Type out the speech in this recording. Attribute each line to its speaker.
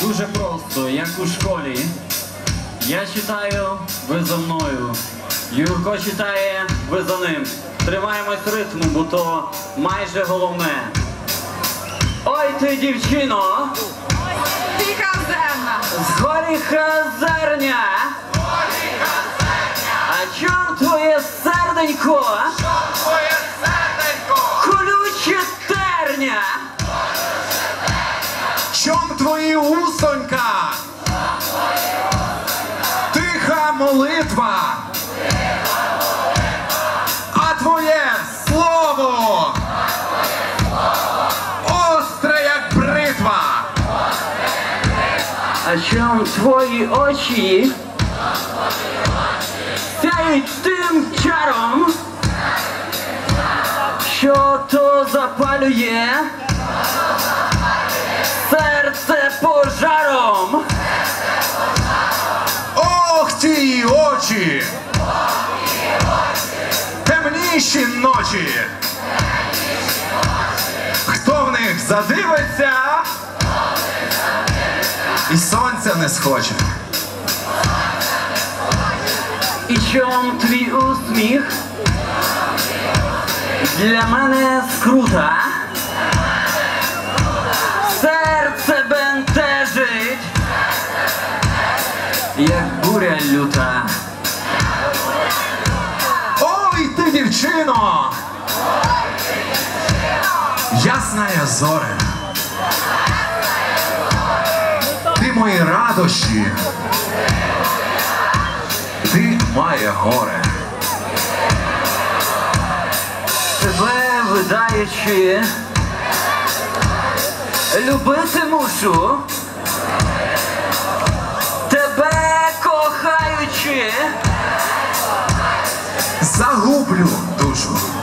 Speaker 1: Дуже просто, як у школі. Я читаю, ви за мною. Юрко читає, ви за ним. Тримаємось ритму, бо то майже головне. Ой ти, дівчино!
Speaker 2: Тиха зерна!
Speaker 1: Згорі хазерня! А чом твоє серденько? Колюче терня!
Speaker 3: Чом твої усонька? Тиха молитва. А твоє слово остре, як бритва.
Speaker 1: А чом твої очі сяють тим чаром, що то запалює серце пожаром?
Speaker 3: Ох, ті очі! Темніші ночі! Хто в них задивиться, і сонця не схоче.
Speaker 1: І чом твій усміх для мене скрута? Серце бентежить, як буря люта.
Speaker 3: Ой, ти, дівчино! Ясная зоре! Ти мої радощі! Ти моє горе!
Speaker 1: Тебе видаючи, любити мушу. Тебе кохаючи,
Speaker 3: Загублю душу!